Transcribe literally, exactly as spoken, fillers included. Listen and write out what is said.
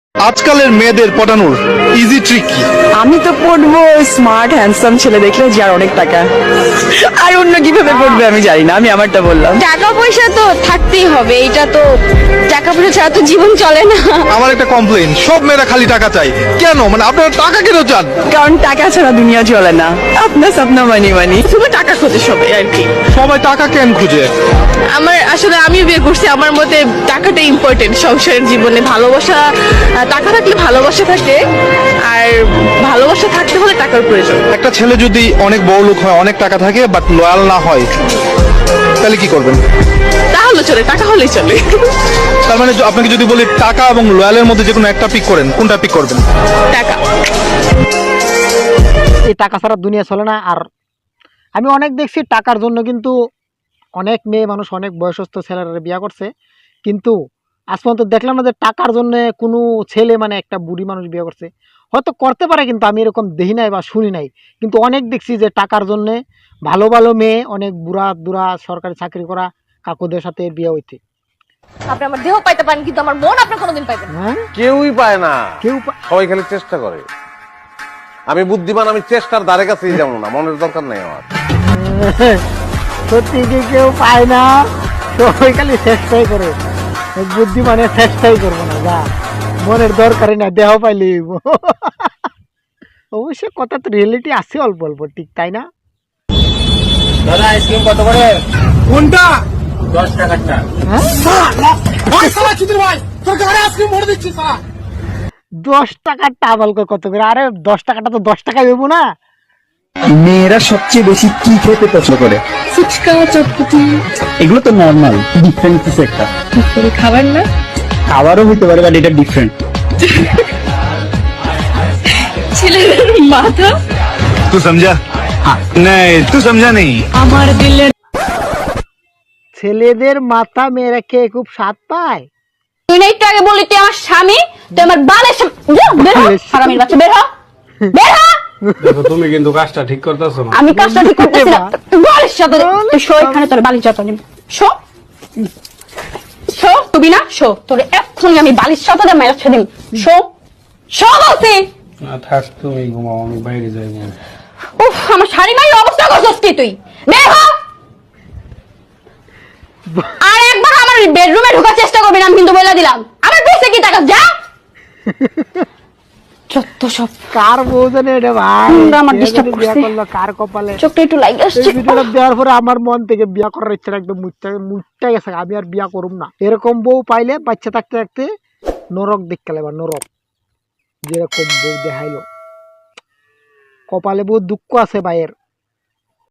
আজকালের মেয়েদের পটানোর easy trick কি? আমি তো পড়বো স্মার্ট হ্যান্ডসাম ছেলে দেখলে যার অনেক টাকা, আর অন্য কিভাবে পড়বে আমি জানি না, আমি আমারটা বললাম। টাকা পয়সা তো থাকতেই হবে, এটা তো টাকা পয়সা ছাড়া তো জীবন চলে না। আমার একটা কমপ্লেন, সব মেয়েরা খালি টাকা চাই কেন? মানে আপনারা টাকা কেন চান? কারণ টাকা ছাড়া দুনিয়া চলে না। আপনার স্বপ্ন মানি মানি শুধু টাকা খোঁজে সবাই আর কি। সবাই টাকা কেন খুঁজে? আমার আসলে আমি বিয়ে করছি, আমার মতে টাকাটা ইম্পর্টেন্ট সংসারের জীবনে। ভালোবাসা, টাকা থাকলে ভালোবাসা থাকে, আর ভালোবাসা থাকতে হলে টাকার প্রয়োজন। একটা ছেলে যদি অনেক বড় লোক হয়, অনেক টাকা থাকে, বাট লয়াল না হয়, তাহলে কি করবেন? তাহলে চলে, টাকা হলেই চলে। তার মানে য- আপনাকে যদি বলি টাকা এবং লয়ালের মধ্যে যে কোনো একটা পিক করেন, কোনটা পিক করবেন? টাকা। এই টাকা ছাড়া দুনিয়া চলে না। আর আমি অনেক দেখছি টাকার জন্য কিন্তু অনেক মেয়ে মানুষ, অনেক বয়সস্থ ছেলেরা বিয়ে করছে, কিন্তু আজ পর্যন্ত দেখলাম না যে টাকার জন্য কোনো ছেলে মানে একটা বুড়ি মানুষ বিয়ে করছে। হয়তো করতে পারে, কিন্তু আমি এরকম দেখি নাই বা শুনি নাই। কিন্তু অনেক দেখছি যে টাকার জন্যে ভালো ভালো মেয়ে, অনেক বুড়া দুরা সরকারি চাকরি করা কাকুদের সাথে বিয়ে হইতে। আপনি আমার দেহ পাইতে পারেন, কিন্তু আমার মন আপনি কোনোদিন পাইবেন না। হ্যাঁ, কেউই পায় না, কেউ পা- সবাই খালি চেষ্টা করে। আমি বুদ্ধিমান, আমি চেষ্টার দ্বারে কাছেই যাবো না, মনের দরকার নেই আমার। সত্যি কি কেউ পায় না, সবাই খালি চেষ্টাই করে। বুদ্ধি মানে চেষ্টাই করবো না, যা মনের দরকারই না, দেহ পাইলে অবশ্য কথা তো রিয়েলিটি আছে অল্প অল্প, ঠিক তাই না? দাদা আইসক্রিম কত করে? কোনটা? দশ টাকারটা। দশ টাকার টাবল কত করে? আরে দশ টাকাটা তো দশ টাকা দেবো না। মেয়েরা সবচেয়ে বেশি কি খেতে পছন্দ করে? ফুচকা, চটপটি, এগুলো তো নর্মাল, ডিফারেন্ট কিছু একটা। খাবার না? খাবারও হইতে পারে, বাট এটা ডিফারেন্ট। ছেলেদের মাথা। তুই সমঝা? नहीं तू समझा नहीं। আমার দিলের ছেলেদের মাথা মেয়েরা খেয়ে খুব স্বাদ পায়। তুই না একটু আগে বললি তুই আমার স্বামী, তুই আমার বালের স্বামী। যা, বের হ, হারামির বাচ্চা, বের হ, বের হ। দেখো তুমি কিন্তু কাজটা ঠিক করতেছো না। আমি কাজটা ঠিক করতেছি না, তুই বালিশ চাদর, তুই শো এখানে, তোর বালিশ চাদর নিবি। শো শো, তুমি না শো, তোর এক্ষুনি আমি বালিশ চাদর মাইরা ছেড়ে দিই। শো শো বলছি। না থাক, তুমি ঘুমাও, আমি বাইরে যাই। উফ, আমার শাড়ি মাইর অবস্থা করছিস কি তুই? বের হ। আর একবার আমার বেডরুমে ঢোকার চেষ্টা করবি না, আমি কিন্তু বলে দিলাম। আমার পেছনে কি টাকা যা। যত সব কার বউ জানে এটা ভাই, তোমরা আমার কে disturb জানে বিয়া করছে। করলো কার কপালে। চোখটা একটু লাগে আসছে। এই ভিডিওটা দেওয়ার পরে আমার মন থেকে বিয়া করার ইচ্ছা একদম মুচ্ছা মুচ্ছা গেছে। আমি আর বিয়া করুম না। এরকম বউ পাইলে বাচ্চা থাকতে থাকতে নরক দেখতে লাগবে, নরক। যেরকম বউ দেখাইলো, কপালে বহুত দুঃখ আছে ভাইয়ের।